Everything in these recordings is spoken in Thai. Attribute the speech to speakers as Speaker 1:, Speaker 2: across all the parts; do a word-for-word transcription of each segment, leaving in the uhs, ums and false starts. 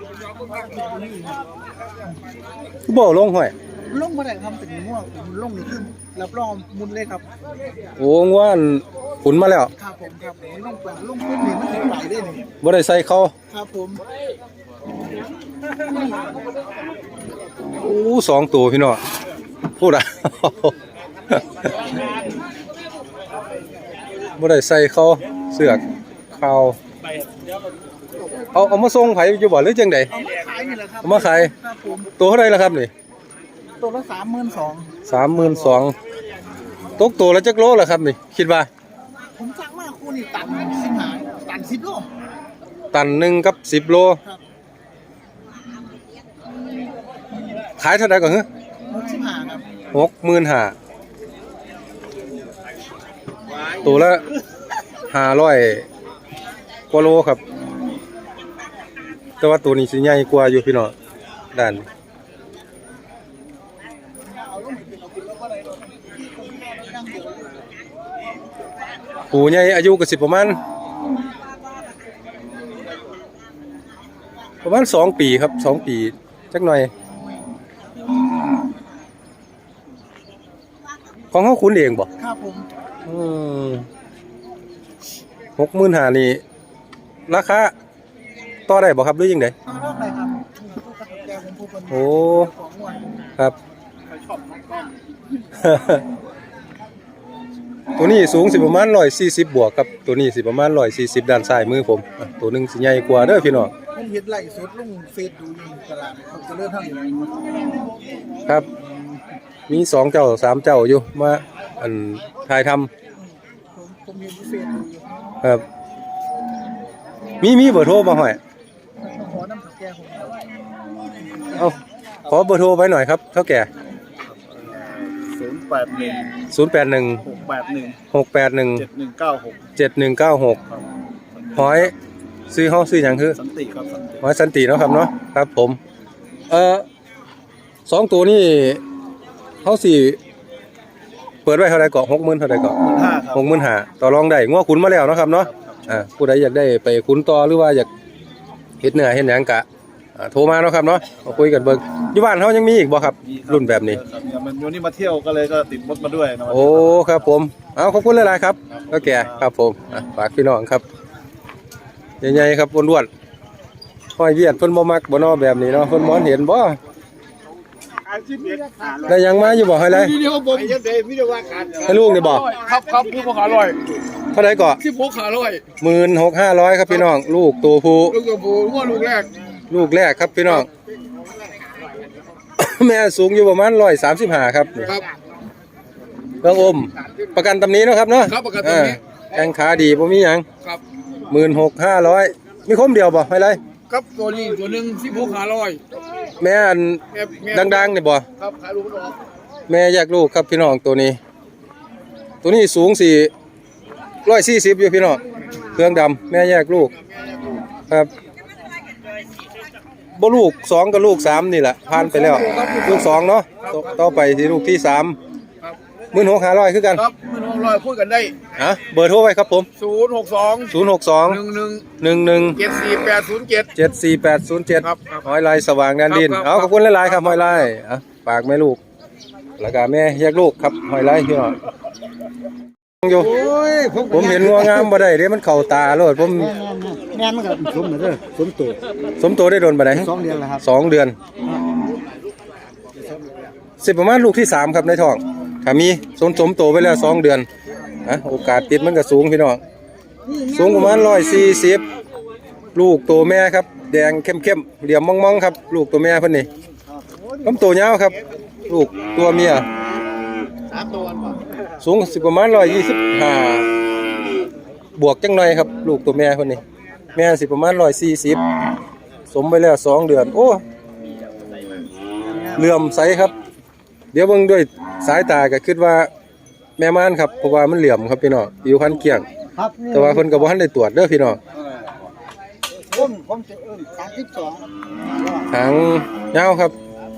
Speaker 1: บ่ลงห้อย
Speaker 2: ลงมาได้ครับเป็นง่วงลงนี่คือรับรองมุนเลยครับ
Speaker 1: โอ้ง่วนขุนมาแล้ว
Speaker 2: ครับผมครับผมลงไปลงพุ่นนี่มันถึงไหลได้นี่
Speaker 1: บ่ได้ใส่เขา
Speaker 2: ครับผม
Speaker 1: โอ้สองตัวพี่น้องพูดอ่ะบ่ได้ใส่เขาเสือกเขาเอาเอามาส่งไผอยู่บ่หรือจังได๋
Speaker 2: เอามาขายนี่แหละครับ
Speaker 1: เอามาขาย
Speaker 2: ครับผม
Speaker 1: ตัวเท่าไหร่ล่ะครับนี่
Speaker 2: ตัวละสามหมื่นสอง
Speaker 1: สามหมื่นสองตกตัวละจักโลล่ะครับนี่คิดว่า
Speaker 2: ผมสั่งมาคู่นี่ตันสิบห้าตันสิบโล
Speaker 1: ตันหนึ่งกับสิบโลขายเท่าไหร่ก่อนฮะ
Speaker 2: หกสิบห้าครับ
Speaker 1: หกหมื่นห้าตัวละห้าร้อยกว่าโลครับแต่ว่าตัวนี้สิใหญ่กว่าอยู่พี่น้องด้านปูใหญ่อายุก็สิประมาณประมาณสองปีครับสองปีจักหน่อยของเขาขุนเองบ่
Speaker 2: ครับผม
Speaker 1: อืมหกหมื่นห้านี่ราคาต่อได้บ่ครับหรือยังไง
Speaker 2: ต่อได้ครับ
Speaker 1: โอ้ครับตัวนี้สูงสิประมาณร้อยสี่สิบบวกครับตัวนี้สิประมาณร้อยสี่สิบด้านซ้ายมือผมตัวหนึ่งสิใหญ่กว่าเด้อพี่น้อง
Speaker 2: ผมเห็นไล่สดลงเฟซดูอยู่ตลาดเขาจะเลื่อนเท่าไหร่
Speaker 1: ครับมีสองเจ้าสามเจ้าอยู่มาอันถ่ายท
Speaker 2: ำผมเห็นเฟซดูอยู่
Speaker 1: ครับมีมีเบอร์โทรมาหน่อย
Speaker 2: ขอน้ำผักแก่ผม
Speaker 1: เอาขอเบอร์โทรไว้หน่อยครับเท่าแก่
Speaker 2: ศูนย์แปดหนึ่ง
Speaker 1: ศูนย์แปดหนึ่ง
Speaker 2: หกแปดหนึ่ง
Speaker 1: หกแปดหนึ่ง
Speaker 2: เจ็ดหนึ่งเก้าหก
Speaker 1: เจ็ดหนึ่งเก้าหกหอยซื้อห้องซื้ออย่างคือ
Speaker 2: สันติครับ
Speaker 1: หอยสันติเนาะครับเนาะครับผมเอ่อสองตัวนี่เขาสี่เปิดไว้เท่าไรเกาะหกหมื่นเท่าไรเกาะหกหมื่นห้าต่อรองได้ง้อขุนมาแล้วเนาะครับเนาะอ่าผู้ใดอยากได้ไปขุนต่อหรือว่าอยากเฮ็ดเนื้อเฮ็ดหยังกะโทรมาเนาะครับเนาะมาคุยกันเบิ่งอยู่บ้านเขายังมีอีกบ่ครับรุ่นแบบนี้
Speaker 2: มันวันนี้มาเที่ยวก็เลยก็ติดมดมาด้วย
Speaker 1: โอ้ครับผมเอาขอบคุณหลายๆครับก็แก่ครับผมฝากพี่น้องครับใหญ่ๆครับอ้วนๆห้อยเวียดเพิ่นบ่มักบ่นอแบบนี้เนาะเพิ่นมองเห็นบ่ได้ยังมาอยู่บ่ให้เลยให้ลูกนี่บ่
Speaker 2: ครับครับพี่บ่ขาลอย
Speaker 1: เท่าไหร่ก่อ
Speaker 2: สิบหกขาลอย
Speaker 1: หนึ่งหมื่นหกพันห้าร้อยครับพี่น้องลูกตัวผู้
Speaker 2: ลูกตัวผู้ว่าลูกแรก
Speaker 1: ลูกแรกครับพี่น้องแม่สูงอยู่ประมาณหนึ่งร้อยสามสิบห้าครับ
Speaker 2: ครับ
Speaker 1: เรื่องอมประกันตำนี้เนาะครับเนาะ
Speaker 2: ครับประกันตำนี้
Speaker 1: แข้งขาดีบ่มีหยัง
Speaker 2: ครับ
Speaker 1: หนึ่งหมื่นหกพันห้าร้อยมีคมเดียวบ่ให้เลย
Speaker 2: ครับตัวนี้ตัวนึงสิบหกขาลอย
Speaker 1: แม่อันดังๆนี่บ่
Speaker 2: ครับขายลูกออก
Speaker 1: แม่แยกลูกครับพี่น้องตัวนี้ตัวนี้สูงสี่ร้อยสี่สิบอยู่พี่น้องเครื่องดำแม่แยกลูกครับบ่ลูกสองกับลูกสามนี่แหละผ่านไปแล้วลูกสองเนาะต่อไปที่ลูกที่สามหมื่นหกห้าร้อยคือกัน
Speaker 2: ครับหมื่นหกร้อยพูดกันได้
Speaker 1: ฮะเบอร์โทรไว้ครับผม
Speaker 2: ศูนย์หกสอง
Speaker 1: ศูนย์หกสอง
Speaker 2: หนึ่งหนึ่ง
Speaker 1: หนึ่งหนึ่ง
Speaker 2: เจ็ดสี่แปดศูนย์เจ็ด
Speaker 1: เจ็ดสี่แปดศูนย์เจ็ดหอยลายสว่างแดนดินเอาขอบคุณหลายๆครับหอยลายอ่ะฝากแม่ลูกแล้วก็แม่แยกลูกครับหอยลายพี่น้องอยู่ผมเห็นงัวงามบ่ได้เด้มันเข้าตาโลดผม
Speaker 2: แม่มันก็สมเด้อสมโต
Speaker 1: สมโตได้โดนบ่ได้
Speaker 2: สองเดือนแล้วครับ
Speaker 1: สองเดือนสิประมาณลูกที่สามครับในท้องถ้ามีสมสมโตไปแล้วสองเดือนนะโอกาสติดมันก็สูงพี่น้องสูงประมาณร้อยสี่สิบลูกตัวแม่ครับแดงเข้มๆเหลี่ยมมองๆครับลูกตัวแม่เพิ่นนี่ลำตัวยาวครับลูกตัวเมียสูงสิประมาณร้อยยี่สิบห้าบวกจังหน่อยครับลูกตัวแม่คนนี้แม่สิประมาณร้อยสี่สิบสมไปแล้วสองเดือนโอ้เหลื่อมใสครับเดี๋ยวเบิ่งด้วยสายตาก็คิดว่าแม่ม่านครับเพราะว่ามันเหลี่ยมครับพี่น้องผิวพรรณเกลี้ยงแต่ว่าเพิ่นก็บ่ทันได้ตรวจเด้อพี่น้อง
Speaker 2: ผมผมจะเอิ้นสามสิบสอง
Speaker 1: หางยาวครับ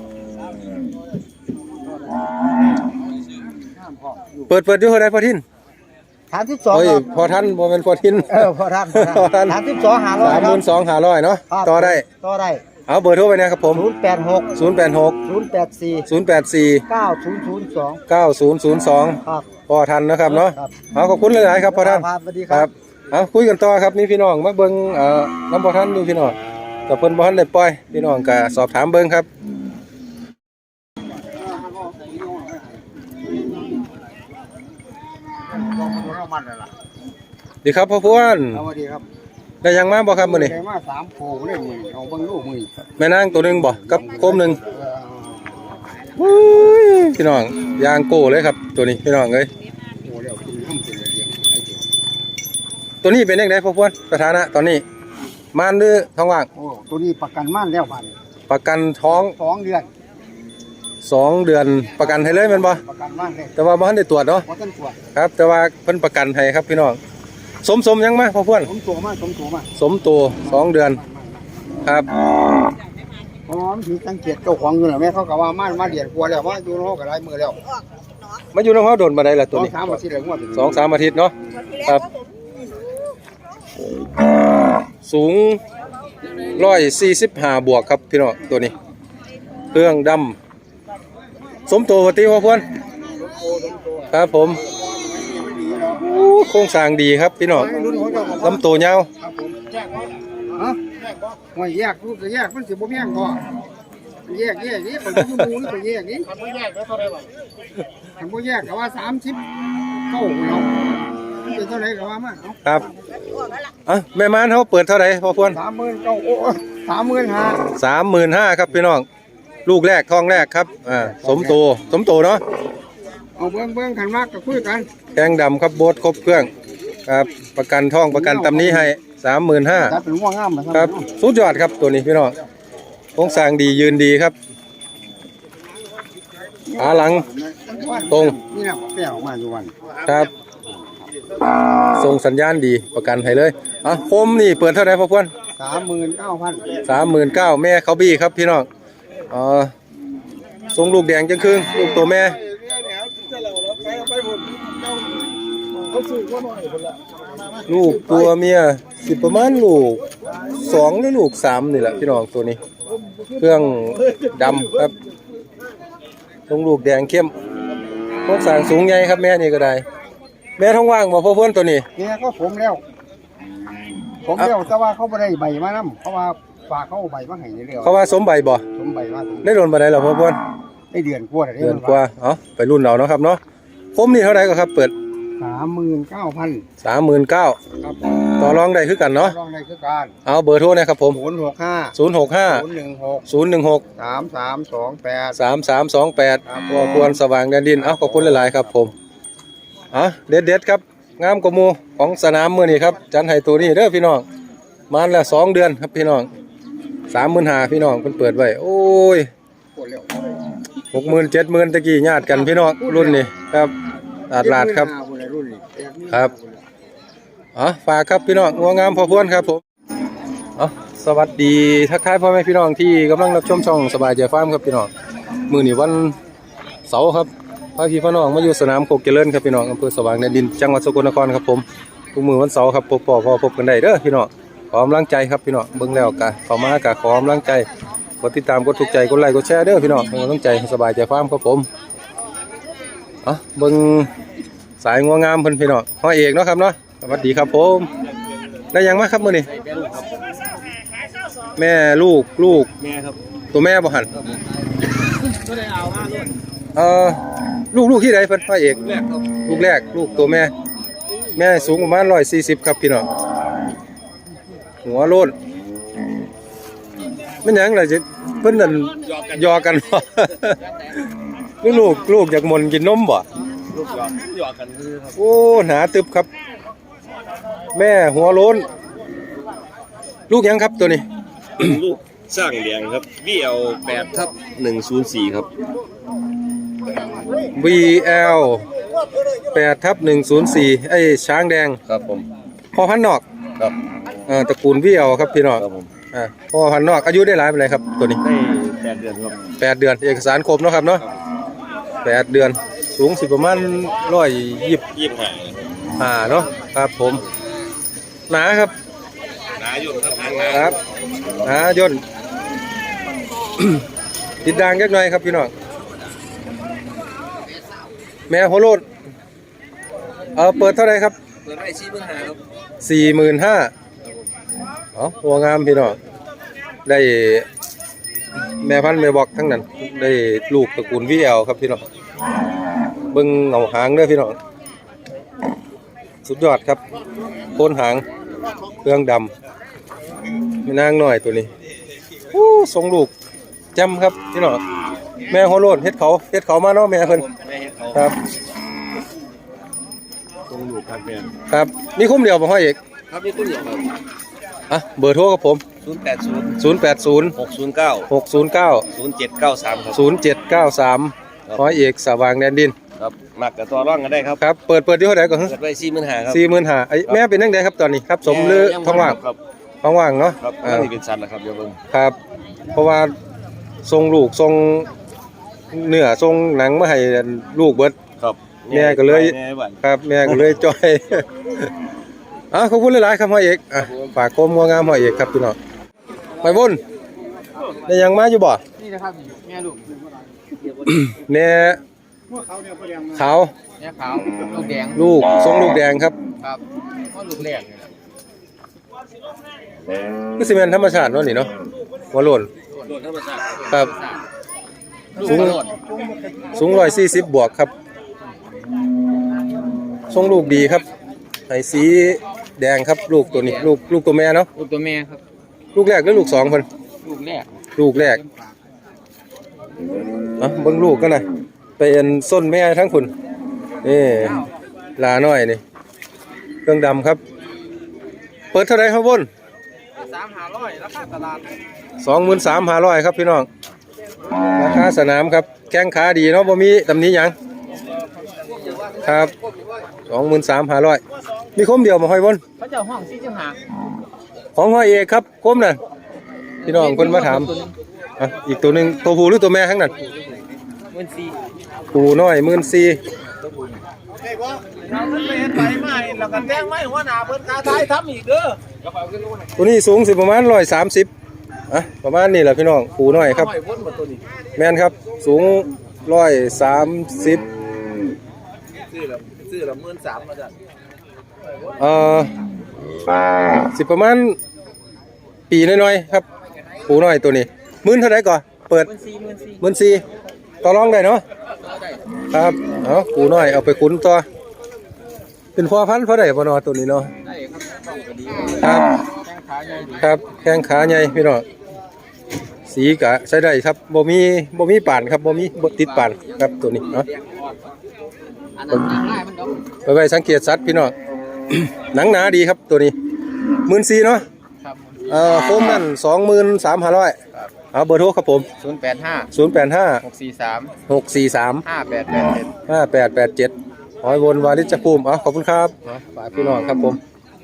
Speaker 1: เปิดเปิดอยู่เท่าใดพอทิน
Speaker 2: สามสิบสอง
Speaker 1: โอ้ยพอทันบ่แม่นพอทิน
Speaker 2: เออพอทันพอทันสามสิบสองห้าร้อย
Speaker 1: สามหมื่นสองห้าร้อยเนาะต่อได้
Speaker 2: ต่อได้
Speaker 1: เอาเบอร์โทรไปนะครับผม
Speaker 2: ศูนย์แปดหก
Speaker 1: ศูนย์แปดหก
Speaker 2: ศูนย์แปดสี่
Speaker 1: ศูนย์แปดสี่
Speaker 2: เก้าศูนย์ศูนย์สอง
Speaker 1: เก้าศูนย์ศูนย์สอง
Speaker 2: ครับ
Speaker 1: พอทันนะครับเนาะ
Speaker 2: ครับ
Speaker 1: เอาขอบคุณหลายๆครับพอทัน
Speaker 2: ครับสวัสดี
Speaker 1: ค
Speaker 2: ครั
Speaker 1: รับ บเอาคุยกันต่อครับนี่พี่น้องมาเบิ่งเอ่อน้ำพอทันนี่พี่น้องกับเพิ่นบ่ทันได้ปล่อยพี่น้องก็สอบถามเบิ่งครับดีครับพ่อพวน
Speaker 2: สวัสดีครับ
Speaker 1: ได้ยังมาบ่ครับมื้อนี้
Speaker 2: ได้มาสามโผล่เลยมือเอาเบิ่งลูกมือ
Speaker 1: แม่นางตัวหนึงบ่กับโคมหนึง
Speaker 2: เออ
Speaker 1: อุ้ยพี่น้องยางโก้เลยครับตัวนี้พี่น้องเอ้ย
Speaker 2: โอ้เดี๋ยวคุณทำเป็นอะไรเดียวหลายตัว
Speaker 1: ตัวนี้เป็นจังไดพ่อพวนสถานะตอนนี้มานหรือท้องว่าง
Speaker 2: โอ้ตัวนี้ประกันม่านแล้วบัด
Speaker 1: ประกันท้อง
Speaker 2: สองเดือน
Speaker 1: สองเดือนประกันให้เลยแม่นบ่
Speaker 2: ประกันม่านเลย
Speaker 1: แต่ว่าบ่ทันได้ตรวจเนาะ
Speaker 2: เพราะต้นตรวจ
Speaker 1: ครับแต่ว่าเพิ่นประกันให้ครับพี่น้องสมสมยังมาพ่อพวน
Speaker 2: ผมตัวมาผมตัวมา
Speaker 1: สมตัวสองเดือนครับ
Speaker 2: อ๋อมันถึงสังเกตเจ้าของอยู่น่ะแม่เขาก็ว่าม่านมาเดือนกว่าแล้วว่าอยู่เนาะก็หลายมือแล้ว
Speaker 1: มาอยู่น้องเฮาโดนมาได้ละ
Speaker 2: ส
Speaker 1: ตัว
Speaker 2: อง
Speaker 1: นี้
Speaker 2: สามอาทิตย์แล้วงวดถึง
Speaker 1: สองสามอาทิตย์เนาะครับสูงร้อยสี่สิบห้าบวกครับพี่น้องตัวนี้เครื่องดำสมตัวปกติพ่อพวนครับผมอู้โครงสร้างดีครับพี่น้อง
Speaker 2: รุ่นของเจ้าของ
Speaker 1: ลำตัวยาว
Speaker 2: ครับผมแยกบ่ฮะว่าแยกลูกก็แยกมันสิบ่แม่งบ่แยกแยกนี่คนอยู่หมู่นี่ก็แยกนี่มันบ่แยกแล้วเท่าไหร่บ่มันบ่แยกก็ว่าสามสิบเก้าเนาะเป็นเท่าไหร่ก็ว่ามาเนาะ
Speaker 1: ครับอ่ะแม่ม้านเขาเปิดเท่าไหร่พ่อพวน
Speaker 2: สามหมื่นเก้าโอ้สามหมื่นห้า
Speaker 1: สามหมื่นห้าครับพี่น้องลูกแรกท้องแรกครับอ่าสมโตสมโตเนาะ
Speaker 2: เอาเบิ่งเบิ่งขันมากก็คุยกัน
Speaker 1: แกงดำครับโบสครบเครื่องครับประกันท้องประกันตำนี้ให้สามหมื่นห้า
Speaker 2: ถ้าเป็นง่วงงามนะ
Speaker 1: ครับสุดยอดครับตัวนี้พี่น้องโครงสร้างดียืนดีครับขาหลังตรง
Speaker 2: นี่นะแปลออกมาอยู่วัน
Speaker 1: ครับส่งสัญญาณดีประกันให้เลยอ่ะโคมนี่เปิดเท่าไหร่พ่อพวน
Speaker 2: สามหมื่นเก้าพัน
Speaker 1: สามหมื่นเก้าแม่เขาบี้ครับพี่น้องเอ่อทรงลูกแดงจังครึ่งลูกตัวแม่ลูกตัวเมียสิประมาณลูกสองหรือลูกสามนี่แหละพี่น้องตัวนี้ เครื่องดำครับทรงลูกแดงเข้มพวกสางสูงใหญ่ครับแม่นี่ก็ได้แม่ท้องว่างบ่พ่อเพื่อนตัวนี้
Speaker 2: เนี่ยก็ผมแล้ว ผมแล้วแต่ว่าเขาไม่ได้ใบมานำเพราะว่าฝากเขาเอาใบมาให้เรื่อย
Speaker 1: เขาว่าสมใบบ่
Speaker 2: ๆผมใบมา
Speaker 1: ได้โดนบ่ได้หรอพ่อเพื่อน
Speaker 2: ได้เดือนกว่าแล้ว
Speaker 1: เดือนกว่าเอ้าไปรุ่นเอาเนาะครับเนาะคมนี่เท่าไหร่ก็ครับเปิด
Speaker 2: สามหมื่นเก้าพัน
Speaker 1: สามหมื่นเก้า
Speaker 2: ครับ
Speaker 1: ต่อรองได้คือกันเนาะ
Speaker 2: รองในคือการ
Speaker 1: เอาเบอร์โทรนะครับผม
Speaker 2: ศูนย์หกห้า
Speaker 1: ศูนย์หกห้า
Speaker 2: ศูนย์หนึ่งหก
Speaker 1: ศูนย์หนึ่งหก
Speaker 2: สามสามสองแปด
Speaker 1: สามสามสองแปด
Speaker 2: ครับ
Speaker 1: พ่อควรสว่างแดนดินเอ้าขอบคุณหลายๆครับผมเอ่ะเด็ดเด็ดๆครับงามกว่าหมูของสนามมือนี่ครับจันไห้ตัวนี้เด้อพี่น้องมาแล้วสองเดือนครับพี่น้องสามหมื่นห้าพี่น้องเพิ่นเปิดไว้โอ้ย
Speaker 2: ปวดแล้ว
Speaker 1: หกหมื่นเจ็ดหมื่นตะกี้ญาติกันพี่น้องรุ่นนี้ครับตลาดลาดครับ
Speaker 2: รุ่นนี้
Speaker 1: ครับอ๋อฝากครับพี่น้องงัวงามพอพวนครับผมอ๋อสวัสดีทักทายพ่อแม่พี่น้องที่กำลังรับชมช่องสบายใจฟาร์มครับพี่น้องมื้อนี้วันเสาร์ครับพาพี่พ่อน้องมาอยู่สนามโคกเจริญครับพี่น้องอำเภอสว่างแดนดินจังหวัดสกลนครครับผมทุกมื้อวันเสาร์ครับพบพ่อพ่อพบกันได้เด้อพี่น้องขอกำลังใจครับพี่น้องเบิ่งแล้วก็เข้ามากะขอกำลังใจกดติดตามกดถูกใจกดไลค์กดแชร์เด้อพี่น้องเป็นกำลังใจให้สบายใจฟาร์มครับผมอ๋อเบิ่งสายงัวงามเพิ่นพี่น้องพ่อเอกเนาะครับเนาะสวัสดีครับผมได้ยังมาครับมื้อนี้แม่ลูกลูก
Speaker 2: แม่ครับ
Speaker 1: ตัวแม่บ่หัน
Speaker 2: ก็ได้เอามาลูก
Speaker 1: เอ่อลูกลูกที่ใดเพิ่นพ่อเอก
Speaker 2: แรกครับ
Speaker 1: ลูกแรกลูกตัวแม่ แม่สูงประมาณร้อยสี่สิบครับพี่น้องหัวโล้นมันหยังล่ะจิเพิ่นนั่นยอกันบ่ ลูกลูกลูกอยากหมนกินนมบ่
Speaker 2: ลูกหยอกหยอกกันคือครับ
Speaker 1: โอ้หนาตึบครับ แม่หัวโล้นลูกหยังครับตัวนี้
Speaker 3: ลูกสร้างแดงครับ วี แอล แปดทับหนึ่งศูนย์สี่ครับ
Speaker 1: วี แอล แปดทับหนึ่งศูนย์สี่ไอ้ช้างแดง
Speaker 3: ครับผม
Speaker 1: พ่อพันธุ์นอก
Speaker 3: ครับ
Speaker 1: เอ่อตระกูลวี แอล ครับพี่น้อง
Speaker 3: ครับผม
Speaker 1: อ่าพ่อพันธุ์นอกอายุได้หลายปานใดครับตัวนี้
Speaker 3: ได้แปดเดือนครับ
Speaker 1: แปดเดือนเอกสารครบเนาะครับเนาะแปดเดือนสูงสิประมาณร้อยยี่สิบ
Speaker 3: ยี่สิบห้า
Speaker 1: ห้าเนาะครับผมหนาครับ
Speaker 3: หนาอยู่ครับหนา
Speaker 1: ครับหนาย่นติดด่างจักหน่อยครับพี่น้องแม่โฮโลดเออเปิดเท่าไหร่ครับ
Speaker 3: เปิดไว้สี่หมื่นห้าครับ
Speaker 1: สี่หมื่นห้าอ๋อตัวงามพี่น้องได้แม่พันธุ์แม่บอกทั้งนั้นได้ลูกตระกูลวีแอลครับพี่น้องเบิ่งเหงาหางเด้อพี่น้องสุดยอดครับโคนหางเครื่องดำไม่นางน้อยตัวนี้โอ้ทรงลูกจำครับพี่น้องแม่โฮโลดเฮ็ดเขาเฮ็ดเขามาเนาะแม่เพิ่น
Speaker 3: แม่เฮ็ดเขา
Speaker 1: ครับ
Speaker 3: ตรงลูกครับแม่
Speaker 1: ครับมีคุ้มเดียวบ่ห้อยเอก
Speaker 3: ครับนี่คุณเดียวครับ
Speaker 1: อ่ะเบอร์โทรกับผม
Speaker 3: ศูนย์แปดศูนย์
Speaker 1: ศูนย์ แปด ศูนย์
Speaker 3: หกศูนย์เก้า
Speaker 1: หก ศูนย์ เก้า
Speaker 3: ศูนย์เจ็ดเก้าสามครับ
Speaker 1: ศูนย์ เจ็ด เก้า สาม
Speaker 3: ครับ
Speaker 1: ห้อยเอกสว่างแดนดิน
Speaker 3: ครับมักกับตัวร่องกันได้ครับ
Speaker 1: ครับเปิดเปิดที่เท่าไหร่ก่อนฮะ
Speaker 3: เปิดไว้สี่หมื่นห้าครับ
Speaker 1: สี่หมื่นห้าไอ้แม่เป็นจังไดครับตอนนี้ครับสมหรือท้องว่าง
Speaker 3: ครับ
Speaker 1: ท้องว่างเนาะ
Speaker 3: ครับ
Speaker 1: อ่า
Speaker 3: นี่เป็นสัตว์นะครับเดี๋ยวเบิ่ง
Speaker 1: ครับ เพราะว่าทรงลูกทรงเนื้อทรงหนังมาให้ลูกเบิด
Speaker 3: ครับ
Speaker 1: แม่ก็เลย
Speaker 3: แม่บ้าน
Speaker 1: ครับแม่ก็เลยจ้อย อ่ะขอบคุณหลายๆครับห้อยเอกอ่ะฝากโคมงัวงามห้อยเอกครับพี่น้องไปบุญได้ยังมาอยู่บ่
Speaker 2: นี่นะครับแม่ลูก
Speaker 1: แน่ขาว
Speaker 2: แม่ขาวลูกแดง
Speaker 1: ลูกทรงลูกแดงครับ
Speaker 2: ครับว่าลูกแรกนี่แหละ
Speaker 1: คือสิเป็นธรรมชาติเนาะนี่เนาะหัวโลน
Speaker 3: โดนธรรมชาติ
Speaker 1: ครับ
Speaker 2: ลูก
Speaker 1: สูง
Speaker 2: กระโดด
Speaker 1: สูงร้อยสี่สิบบวกครับทรงลูกดีครับไอ้สีแดงครับลูกตัวนี้ลูกลูกตัวแม่เนาะ
Speaker 2: ลูกตัวแม่ครับ
Speaker 1: ลูกแรกหรือลูกสองคน
Speaker 2: ลูกแรก
Speaker 1: ลูกแรกเอ่ะเบิ่งลูกกันนะเป็นส้นแม่ทั้งคุณนี่ลาน้อยนี่เครื่องดำครับ เปิดเท่าไหรครับบน
Speaker 2: สามหาร้อยราคาตลาด
Speaker 1: สองหมื่นสามห้าร้อยครับพี่น้องราคาสนามครับแข้งขาดีเนาะบ่มีตำหนิหยังครับสองหมื่นสามห้าร้อยมีคมเดียวมาห้อยบน
Speaker 2: เขาจะห้องสี่สิบห้า
Speaker 1: ของห้อยเอกครับคมนั่นพี่น้องคนมาถามอ่ะอีกตัวหนึ่งตัวผู้หรือตัวแม่ทั้งนั้น
Speaker 2: เงินสี่
Speaker 1: ผู้น้อยหมื่นสี่
Speaker 2: เราไปเห็นไปมาแล้วก็แจ้งไม่หัวหน้าเพิ่นคาทายทำอีกเด้อ
Speaker 1: ตัวนี้สูงสิประมาณร้อยสามสิบอ่ะประมาณนี้แหละพี่น้องผู้น้อยครับ
Speaker 2: ห้อยวนหมดตัวนี้
Speaker 1: แม่นครับสูงร้อยสามสิบ
Speaker 2: ซื้อละซื้อละหมื่นสามมาจ้ะ
Speaker 1: เอ่อสิประมาณปีน้อยๆครับผู้น้อยตัวนี้หมื่นเท่าไหร่ก่อนเปิด
Speaker 2: หมื่นสี่หมื่นสี่
Speaker 1: หมื่นสี่ต่อรองได้เนาะครับเอาผู้น้อยเอาไปขุนต่อเป็นพ่อพันธุ์เพราะได้บ่เนอตัวนี้เนาะ
Speaker 2: ได้ครับต้องก็ดี
Speaker 1: ครับ
Speaker 2: แข้งขาใหญ่ดี
Speaker 1: ครับแข้งขาใหญ่พี่น้องสีกะใช้ได้ครับบ่มีบ่มีป่านครับบ่มีบ่ติดป่านครับตัวนี้เนาะ
Speaker 2: อันนั้นง่ายมันดอก
Speaker 1: ไปไว้สังเกตสัตว์พี่น้อง หนังหนาดีครับตัวนี้หมื่นสี่เนาะ
Speaker 2: ครับ
Speaker 1: เอ่อโคมนั่นสองหมื่นสามห้าร้อยเอาเบอร์โทรครับผม
Speaker 2: ศูนย์แปดห้า
Speaker 1: ศูนย์แปดห้า
Speaker 2: หกสี่สาม
Speaker 1: หกสี่สาม
Speaker 2: ห้าแปดแปดเจ็ด
Speaker 1: ห้าแปดแปดเจ็ดหอยวนวาริจภูมิเอาขอบคุณครับฝากพี่น้องครับผม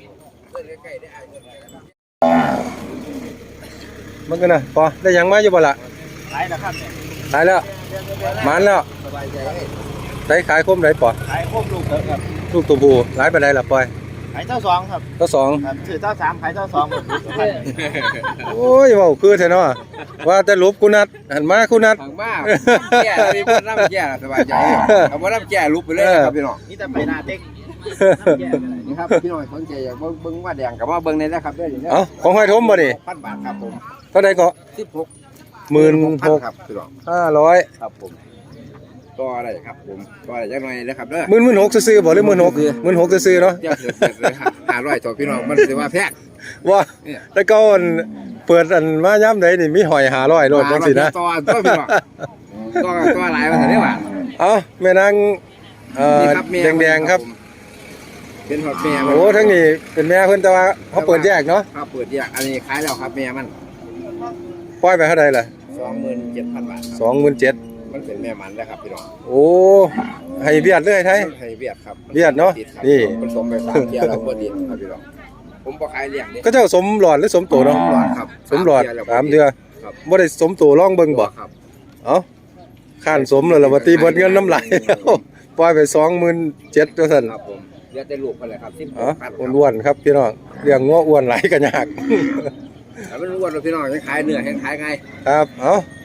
Speaker 1: มันกันนะพอได้ยังมาอยู่บ่ละ
Speaker 2: ขายนะครับเนี่ย
Speaker 1: ขายแล้วหมันแล้ว
Speaker 2: สบายใจ
Speaker 1: ได้ขายคมได้ปอ
Speaker 2: ขายครบลูกเถอะครับ
Speaker 1: ลูกตัวผู้หลายไปได้ละปอย
Speaker 2: ขายเจ้าสองครับ
Speaker 1: ก็สอง
Speaker 2: ครับถือเจ้าสามขายเจ้าสองหมด
Speaker 1: โอ้ยเว้าคือแท้เนาะว่าแต่ลบกูนัดหันมากูนัด
Speaker 4: ทางบ้านแก่มีคนรับแก่สบายใจเอาว่ารับแก่ลุกไปเลยนะครับพี่น้อง
Speaker 2: นี่แต่ไปหน้าเต็ก
Speaker 4: นี่ครับพี่น้องสนใจอยากเบิ่งเบิ่งว่าแดงกับว่าเบิ่งในนะครับด้วยอย่างนี้
Speaker 1: เอ้าของห้อยทมบ่นี่
Speaker 4: พันบาทครับผม
Speaker 1: เท่าใดก็
Speaker 4: สิบหก
Speaker 1: หมื่นหก
Speaker 4: ครับพี่น้อง
Speaker 1: ห้าร้อย
Speaker 4: ครับผมก็อะไรครับผมก็อะไรจังหน่อยนะครับเด้อ
Speaker 1: หมื่นหมื่นหกซื้อๆบ่หรือหมื่นหกหมื่นหกซื้อๆเนาะ
Speaker 4: เดี๋ยวเกิดเลยห้าร้อยต่อพี่น้องมันสิว่าแพง
Speaker 1: ว่าแล้วก็อันเปิดอันมาย่ำใดนี่มีหอยหาร้อยโลดจังสินะ
Speaker 4: ต่อต่อพี่น้องต่อต่อหลายว่าแต่ได้ว่า
Speaker 1: เอาแม่นางเอ่อ
Speaker 4: นี่ครับแม่
Speaker 1: แดงๆครับ
Speaker 4: ผมเป็นหอดแม่
Speaker 1: โอ้ทั้งนี้เป็นแม่เพิ่นแต่ว่าเขาเปิดแยกเนาะ
Speaker 4: ครับเปิดแยกอันนี้ขายแล้วครับแม่มัน
Speaker 1: ปล่อยไปเท่าใดล่ะ
Speaker 4: สองหมื่นเจ็ดพันบาทครับ
Speaker 1: สองหมื่นเจ็ด
Speaker 4: มันเป็นแม่มันแล้วครับพี่น้อง
Speaker 1: โอ้ให้เบียดเลยไทย
Speaker 4: ให้เวียดครับ
Speaker 1: เวียดเนอะ
Speaker 4: ติครับ
Speaker 1: นี่
Speaker 4: ผสมไปสามเทียร์แล้วบ่ติดครับพี่น้องผมบ่ขายเลี้ยงเด้
Speaker 1: ก็เจ้าสมหลอดหรือสมโตเนาะ
Speaker 4: หลอดครับ
Speaker 1: สมหลอดสามเดือ
Speaker 4: ครับ
Speaker 1: บ่ได้สมโตร่องเบิ่งบ่
Speaker 4: ครับ
Speaker 1: เอ้าข้านสมแล้วล่ะว่าตีเบิดเงินน้ำไหล ปล่อยไปสองหมื่นเจ็ดจังซั่น
Speaker 4: ครับผมเลี้ยงแต่ลูกไปเลยครับสิบห
Speaker 1: เอ๋อก
Speaker 4: พัน
Speaker 1: อ้วนๆครับพี่น้องเลี้ยงงัวอ้วนหลายก็ยาก
Speaker 4: แต่มันอ้วนแล้วพี่น้องยังขายเนื้อยังขายไง
Speaker 1: ครับ เอา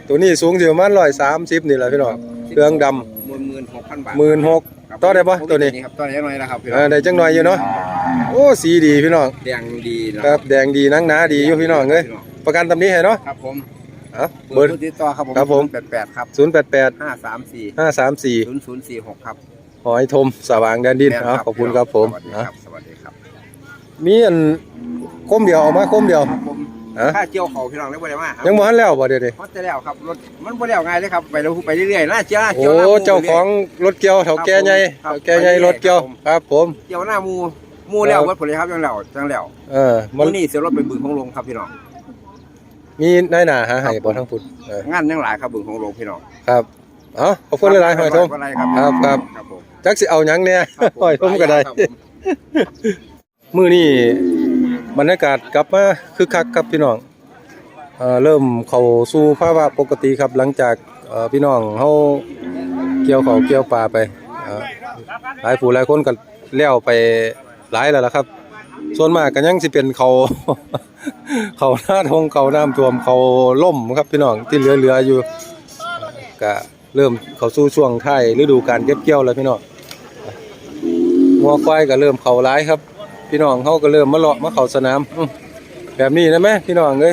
Speaker 1: ตัวนี้สูงสิประมาณร้อยสามสิบนี่แหละพี่น้องเครื่องดำ
Speaker 4: หมื่นหมื่นหกพันบาท
Speaker 1: หมื่นหกต่อได้ปะตัวนี้
Speaker 4: ครับต่อได้หน่อยนะครับพี่
Speaker 1: เอ
Speaker 4: น้อ
Speaker 1: อง ได้จังหน่อยอยู่เนาะโอ้สีดีพี่น้อง
Speaker 4: แดงดีนะครับ
Speaker 1: แดงดีหนังหนาดีอยู่พี่น้องเอ้ยประกันตำนี้ให้เนาะ
Speaker 4: ครับผม
Speaker 1: เอ้า
Speaker 4: เบ
Speaker 1: เบ
Speaker 4: อ
Speaker 1: อ
Speaker 4: ร์
Speaker 1: ร์
Speaker 4: ติดต่อครับผม
Speaker 1: ครับผม
Speaker 4: แปดแปดครับ
Speaker 1: ศูนย์แปดแปด
Speaker 4: ห้าสามสี่
Speaker 1: ห้าสามสี่
Speaker 4: ศูนย์ศูนย์สี่หกครับ
Speaker 1: หอยทมสว่างแดนดิน
Speaker 4: แม่
Speaker 1: เอ้าขอบคุณครับผม
Speaker 4: สวัสดีค
Speaker 1: อ่ะ
Speaker 4: รับสวัสดีครับ
Speaker 1: มีอันคมเดียวเอามาคมเดียว
Speaker 4: ครับผม
Speaker 1: ฮะ
Speaker 4: ค่าเจียวเขาพี่น้องได้บ่ได้มาครับ
Speaker 1: ยังบ่ทันแล้วบ่เดี๋ยวนี้
Speaker 4: ฮอตจะแล้วครับรถมันบ่แล้วง่ายเลยครับไปแล้วไปเรื่อยๆหน้าเจียวหน้าเจียว
Speaker 1: โอ้
Speaker 4: หน้าหมู่
Speaker 1: เจ้าของรถเกี่ยวเฒ่าแก่ใหญ่
Speaker 4: ครับ
Speaker 1: เฒ่าแก่ใหญ่รถเกี่ยวครับผม
Speaker 4: เจียวหน้าหมูหมูแล้ววัดผลเลยครับจังแล้วจังแล้ว
Speaker 1: เออมั
Speaker 4: มื้อนี้เสียรถไปบึงของลงครับพี่น้อง
Speaker 1: มีนายหน้าหาให้บ่ทั้งพุ่นเออง
Speaker 4: านยังหลายครับบึงของลงพี่น้อง
Speaker 1: ครับเอ้าขอบคุณหลายๆหอยทม
Speaker 4: อะไรครับ
Speaker 1: ครับครับ
Speaker 4: ครับผม
Speaker 1: จักสิเอาหยังเนี่ย
Speaker 4: ครับผม
Speaker 1: หอยทมก็ได้
Speaker 4: ครับผม
Speaker 1: มื้อนี้บรรยากาศกลับมาคึกคักครับพี่น้องเอ่อเริ่มเข้าสู่ภาวะปกติครับหลังจากเอ่อพี่น้องเฮาเกี่ยวข้าวเกี่ยวปลาไปเอ่อหลายผู้หลายคนก็แล้วไปหลายแล้วล่ะครับ ส่วนมากก็ยังสิเป็นเขา เขาหน้าทงเขาน้ำท่วมเขาล่มครับพี่น้องที่เหลือๆอยู่ก็เริ่มเข้าสู่ช่วงท้ายฤดูการเก็บเกี่ยวแล้วพี่น้องงัวควายก็เริ่มเข้าหลายครับ พี่น้องเขาก็เริ่มมาเลาะมาเข้าสนามอื้อแบบนี้นะแม่พี่น้องเอ้ย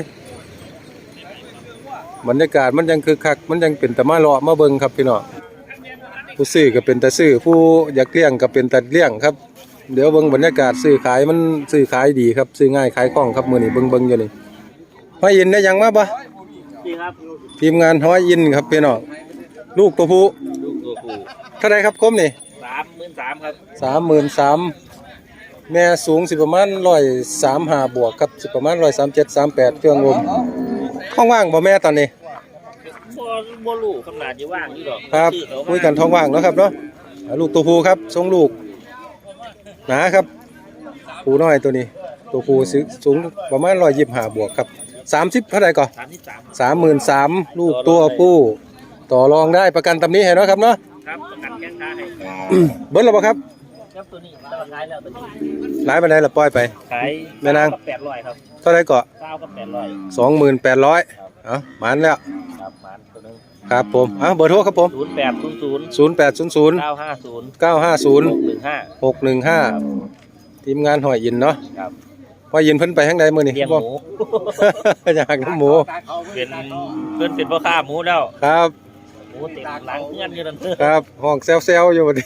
Speaker 1: บรรยากาศมันยังคึกคักมันยังเป็นตะมาเลาะมาเบิ่งครับพี่น้องผู้ซื้อก็เป็นตาซื้อผู้อยากเลี้ยงก็เป็นตาเลี้ยงครับเดี๋ยวเบิ่งบรรยากาศซื้อขายมันซื้อขายดีครับซื้อง่ายขายคล่องครับมื้อนี้เบิ่งเบิ่งอยู่นี่ห้อยอินได้ยังมาบ่ทีมงานห้อยอินครับพี่น้องลูกตัวผู้
Speaker 5: ลูกตัวผู้
Speaker 1: เท่าไรครับคมนี่
Speaker 5: สามหมื่นสามครับ
Speaker 1: สามหมื่นสามแม่สูงสิประมาณร้อยสามห้าบวกครับสิประมาณร้อยสามเจ็ดสามแปดเครื่องลมท้องว่างบ่แม่ตอนนี้
Speaker 5: บ่บ่ลูกขนาดอยู่ว่างอยู่ดอก
Speaker 1: ครับ
Speaker 5: ชื่อเขา
Speaker 1: คุยกันท้องว่างเนาะครับเนาะอ่าลูกตัวผู้ครับทรงลูกหนาครับผู้น้อยตัวนี้ ตัวผู้สูงสูงประมาณร้อยยี่สิบห้าบวกครับสามสิบเท่าไหร่ก่อน
Speaker 5: สามสิบสาม
Speaker 1: สามหมื่นสามลูกตัวผู้ต่อรองได้ประกันตำนี้ให้เนาะครับเนาะ
Speaker 5: ครับประกันแข้งขาให้
Speaker 1: เบิ้ลหรือเปล่าครับ
Speaker 5: ครับตัวนี้ราคายแล้วตัวนี้
Speaker 1: หลายไปไหนละปล่อยไป
Speaker 5: ขาย
Speaker 1: แม่นาง
Speaker 5: แปดร้อยครับ
Speaker 1: เท่าไหร่ก่อน
Speaker 5: เก้ากับแปดร้อย
Speaker 1: สองหมื่นแปดร้อยเอ้าหมันแล้ว
Speaker 5: ครับหมันตัวนึง
Speaker 1: ครับผมอ่ะเบอร์โทรครับผม
Speaker 5: ศูนย์แปดศูนย์ศูนย์
Speaker 1: ศูนย์แปดศูนย์ศูนย์
Speaker 5: เก้าห้าศูนย์
Speaker 1: เก้าห้าศูนย์
Speaker 5: หกหนึ่งห้า
Speaker 1: หกหนึ่งห้าทีมงานหอยยินเนาะ
Speaker 5: ครับ
Speaker 1: หอยยินเพิ่นไปทางใดมื้อนี้
Speaker 5: เลี้ยงห
Speaker 1: บ่
Speaker 5: มู
Speaker 1: อยากน้ำหมู
Speaker 5: เป็นเพื่อนเป็นพ่อค้าหมูแล้ว
Speaker 1: ครับ
Speaker 5: หมูเต็มหลังเงื่อนอยู่นั่นเถอะ
Speaker 1: ครับห้องแซวๆอยู่บัดนี้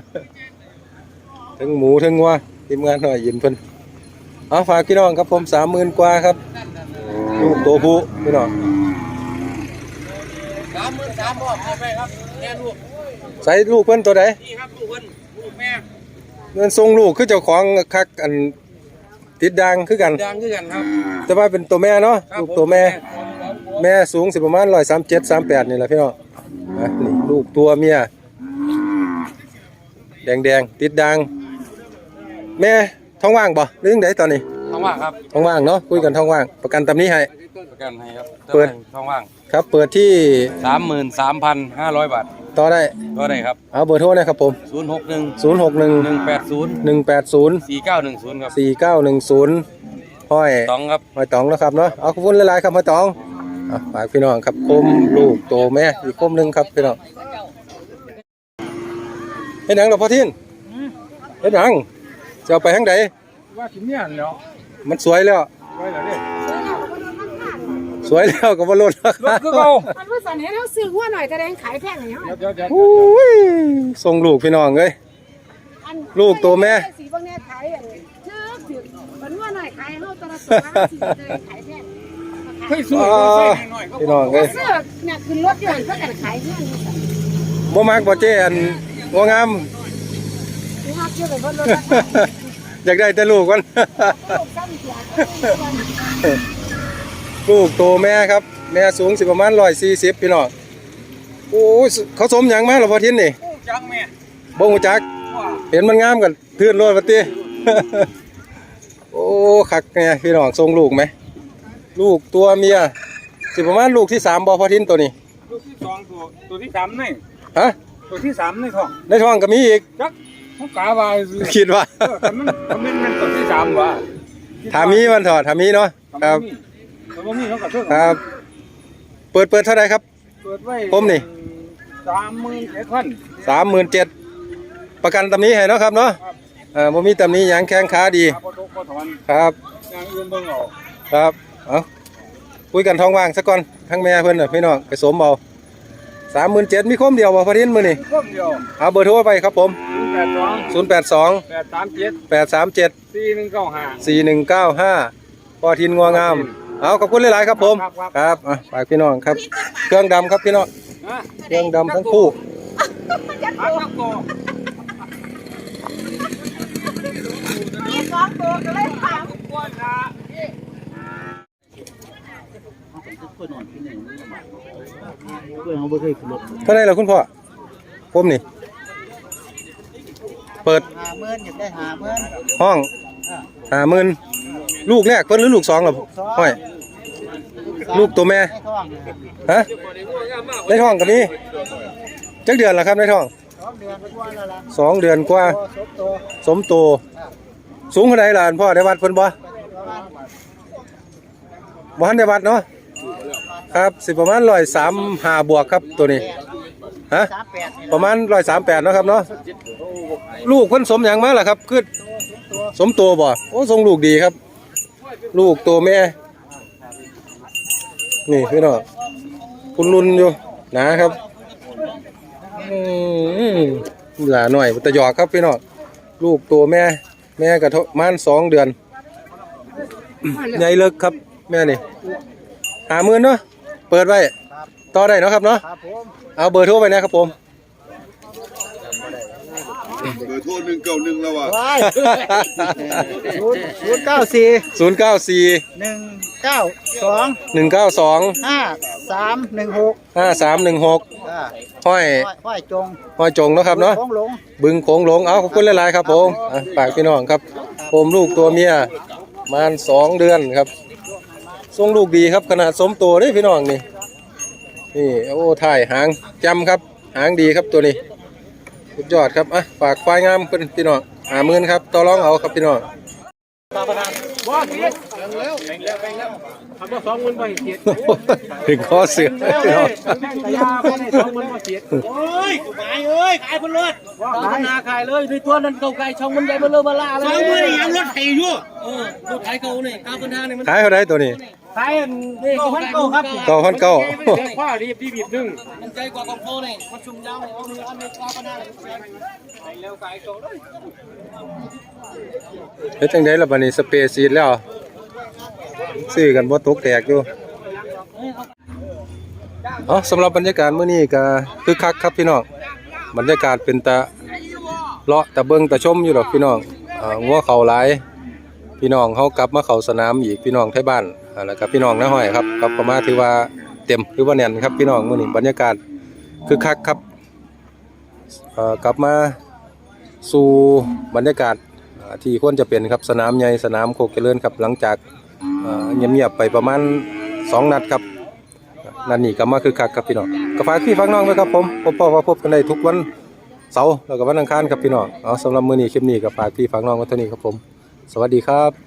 Speaker 1: ทั้งหมูทั้งวัวทีมงานหอยยินเพิ่นเอาฝากพี่น้องครับผมสามหมื่นกว่าครับลูกตัวผู้พี่น้อง
Speaker 4: สามหมื่นสามบ่เอาไปครับแม่ลูก
Speaker 1: ใส่ลูกเพิ่นตัวใด
Speaker 4: นี่ครับลูกเพิ่นลูกแม่
Speaker 1: เงินทรงลูกคือเจ้าของคักอันติดดังคือกัน
Speaker 4: ดังคือกันครับ
Speaker 1: แต่ว่าเป็นตัวแม่เนาะลูกตัวแม่ แม่สูงสิประมาณร้อยสามเจ็ดสามแปดนี่แหละพี่น้องอ่ะนี่ลูกตัวเมียแดงแดงๆติดดัง แม่ท้องว่างบ่หรือยังไงตอนนี้
Speaker 6: ท้องว่างครับ
Speaker 1: ท้องว่างเนาะคุยกันท้องว่างประกันตำนี้ให้
Speaker 6: ประกันให้ครับ
Speaker 1: เปิด
Speaker 6: ท้องว่าง
Speaker 1: ครับเปิดที่
Speaker 6: สามหมื่นสามพันห้าร้อยบาท
Speaker 1: ต่อได้
Speaker 6: ก็ได้ครับ
Speaker 1: เอาเบอร์โทรนะครับผม
Speaker 6: ศูนย์หกหนึ่ง
Speaker 1: ศูนย์หกหนึ่ง
Speaker 6: หนึ่งแปดศูนย์
Speaker 1: หนึ่งแปดศูนย์
Speaker 6: สี่เก้าหนึ่งศูนย์ครับ
Speaker 1: สี่เก้าหนึ่งศูนย์ห้อย
Speaker 6: ต้องครับ
Speaker 1: ห้อยตองนะครับเนาะเอาขอบคุณหลายๆครับห้อยตองอ่ะฝากพี่น้องครับคมลูกโตแม่อีกคมหนึ่งครับพี่น้องเฮ็ดหยังดอกพ่อทินเฮ็ดหยังจะเอาไปทางใด
Speaker 2: ว่าสิเนี่ยเนาะ
Speaker 1: มันสวยแล้ว
Speaker 2: ไว้แล้วเด้
Speaker 1: สวยแล้วก็บ่ลดราคา
Speaker 2: คือเก่า
Speaker 7: มันว่าสันให้เราซื้อหัวหน่อยจะได้ขายแพงหน่อยเนาะ
Speaker 2: เดี๋ยวเดี๋ยว
Speaker 1: อุ้ยส่งลูกพี่น้องเอ้ย
Speaker 7: อัน
Speaker 1: ลูกตัวแม่
Speaker 7: สีบางแน่ขายอันนี้เนื้อถือมันว่าหน่อยขายเฮาตละสองห้าสิบจะได้ขายแพง
Speaker 2: เฮ้ยสู้
Speaker 1: อ่าพี่น้องเอ้ย
Speaker 7: เสื้อเนี่ยขึ้นรถยนต์เพื่อกันขายเพื่อนนี่สัน
Speaker 1: บ่มักบ่เจ้อันบ่งาม
Speaker 7: นี่ฮะเชื่อไปเพิ่นรถ
Speaker 1: อยากได้แต่ลูกก่อน
Speaker 7: ลูกซ้ำเสีย
Speaker 1: ลูกโตแม่ครับ แม่สูงสิประมาณร้อยสี่สิบพี่น้องโอ้ยเขาสมหยังมาหรอพ่อทินนี่
Speaker 2: จังแม่
Speaker 1: บ่ฮู้จัก เห็นมันงามกันทื่นโลดว่าติ โอ้คักแน่พี่น้องส่งลูกไหมลูกตัวเมียสิประมาณลูกที่สามบ่พ่อทินตัวนี้
Speaker 2: ลูกที่สองตัวตัวที่สามนี่
Speaker 1: ฮะ
Speaker 2: ตัวที่สามในท้อง
Speaker 1: ในท้องก็มีอีก
Speaker 2: จักเขากาวายซื้อ
Speaker 1: คิดว่า
Speaker 2: เออแต่มันมันมันตัวที่สามว่ะ
Speaker 1: ถามีมันถอดถามีเนาะครับ
Speaker 2: แต่ว่ามีเขาก็เท่า
Speaker 1: ครับ เปิดเปิดเท่าไหร่ครับ
Speaker 2: เปิดไว้
Speaker 1: ผมนี่
Speaker 2: สามหมื่นเจ็ดพัน
Speaker 1: สามหมื่นเจ็ดประกันตำหนี้ให้เนาะครับเนาะอ่าบ่มีตำหนี้หยังแข้งขาดี
Speaker 2: พอตกพอถอน
Speaker 1: ครับ
Speaker 2: อย่างอื่นเบิ่งเอา
Speaker 1: ครับเอาคุยกันท้องว่างซะก่อนทั้งแม่เพิ่นน่ะพี่น้องไปสมเอาสามหมื่นเจ็ดมีคมเดียวบ่พอดินมื้อนี้
Speaker 2: พวกเดียว
Speaker 1: เอาเบอร์โทรไปครับผม
Speaker 2: ศูนย์แปดสอง
Speaker 1: ศูนย์แปดสอง
Speaker 2: แปดสามเจ็ด
Speaker 1: แปดสามเจ็ด
Speaker 2: สี่หนึ่งเก้าห้า
Speaker 1: สี่หนึ่งเก้าห้าพอทินงัวงามเอาขอบคุณหลายๆครับผม
Speaker 2: ครับครับ
Speaker 1: ครับอ่ะฝากพี่น้องครับ เครื่องดำครับพี่น้องเครื่องดำทั้งคู่
Speaker 2: พักนักโก
Speaker 7: มีสองตัวก็เลยถาม
Speaker 1: เท่าไหร่ล่ะคุณพ่อผมนี่ เปิด
Speaker 2: หาเมื่อนอยากได้หาเมื่อน
Speaker 1: ห้องห้าหมื่นลูกแรกเพิ่นหรือลูกสองล่ะห้อยลูกตัวแม่
Speaker 2: ให้ท้อง
Speaker 1: ฮะในท้องก็มีจักเดือนแล้วครับในท้อง
Speaker 2: สองเดือนกว่าแล้วล่ะ
Speaker 1: สองเดือนกว่า
Speaker 2: พอสมโต
Speaker 1: สมโตสูงเท่าใดล่ะอันพ่อได้วัดเพิ่นบ่บ่ทันได้วัดเนาะครับสิประมาณหนึ่งร้อยสามสิบห้าบวกครับตัวนี้ฮะ
Speaker 2: สามแปด
Speaker 1: ประมาณหนึ่งร้อยสามสิบแปดเนาะครับเนาะลูกเพิ่นสมหยังมาล่ะครับคือสมโตบ่โอ้ทรงลูกดีครับ ลูกตัวแม่นี่พี่น้องคุณลุนอยู่หนาครับอืมหลาหน่อยตะหยอกครับพี่น้องลูกตัวแม่ แม่กระทบมันสองเดือนใหญ่เลิกครับแม่นี่หาหมื่นเนาะเปิดไว้ต่อได้เนาะครับเนาะ
Speaker 2: ครับผม
Speaker 1: เอาเบอร์โทรไปนะครับผม
Speaker 8: เบอร์โทรหนึ่งเก้าหนึ่งแล้วว่ะ
Speaker 2: ว้ายศูนย์ศูนย์เก้าสี่
Speaker 1: ศูนย์เก้าสี่
Speaker 2: หนึ่งเก้าสอง
Speaker 1: หนึ่งเก้าสอง
Speaker 2: ห้าสามหนึ่งหก
Speaker 1: ห้าสามหนึ่งหก
Speaker 2: อ่า
Speaker 1: ห้อย
Speaker 2: ห้อยจง
Speaker 1: ห้อยจงเนาะครับเนาะ
Speaker 2: ของหลง
Speaker 1: บึงโขงหลงเอาขอบคุณหลายๆครับผมอ่ะฝากพี่น้องครับผมลูกตัวเมียประมาณสองเดือนครับทรงลูกดีครับขนาดสมตัวนี่พี่น้องนี่นี่โอ้ถ่ายหางจำครับหางดีครับตัวนี้สุดยอดครับอ่ะฝากควายงามเพิ่นพี่น้องหาหมื่นครับต่อรองเอาครับพี่น้อง
Speaker 2: ว่าเสียแล้วแบ่งแล้วแบ่งแล้วทำมาสองหมื่นใบเสีย
Speaker 1: ถึงคอเสือพี่น้อง
Speaker 2: แต่ยาไม่ได้สองหมื่นใบเสียโอ้ยขายเอ้ยขายบนรถขายนาขายเลยด้วยตัวนั้นเก่าไก่ช่องมันใหญ่เบลเลอร์บลาเลยสองหมื่นยังรถไถอยู่เออรถไถเก่าเนี่ยก้าวคนทางเนี่ยมัน
Speaker 1: ขายเท่าไรตัวนี้
Speaker 2: ขายนี่เก้าพันเก้าครับ
Speaker 1: เก้าพันเก้า
Speaker 2: คว้ารีบรีบรีบดึง
Speaker 5: มันใจกว่ากองโพนี่มันชุ่มยาวเลยเอามืออันนี้กว่าปัญหาเลย
Speaker 2: เร็วขายเก่าเลย
Speaker 1: เฮ็ดจังได๋ล่ะบัดนี้สเปรย์ซีดแล้วซื้อกันบ่ตกแตกอยู่เอ๋อสำหรับบรรยากาศมื้อนี้ก็คึกคักครับพี่น้องบรรยากาศเป็นตะเลาะตะเบิงตะชมอยู่ดอกพี่น้องอ่างัวเขาหลายพี่น้องเฮากลับมาเข้าสนามอีกพี่น้องไทบ้านอ่าแล้วก็พี่น้องน้าห้อยครับกลับเข้ามาถือว่าเต็มถือว่าแน่นครับพี่น้องมื้อนี้บรรยากาศคึกคักครับเอ่อกลับมาสู่บรรยากาศอ่าที่ควรจะเป็นครับสนามใหญ่สนามโคกเจริญครับหลังจากอ่าเงียบๆไปประมาณสองนัดครับนัดนี้ก็มาคึกคักครับพี่น้องก็ฝากพี่ฝากน้องไว้ครับผมพบพ่อว่าพบกันได้ทุกวันเสาร์แล้วก็วันอังคารครับพี่น้องเอาสำหรับมื้อนี้คลิปนี้ก็ฝากพี่ฝากน้องไว้เท่านี้ครับผมสวัสดีครับ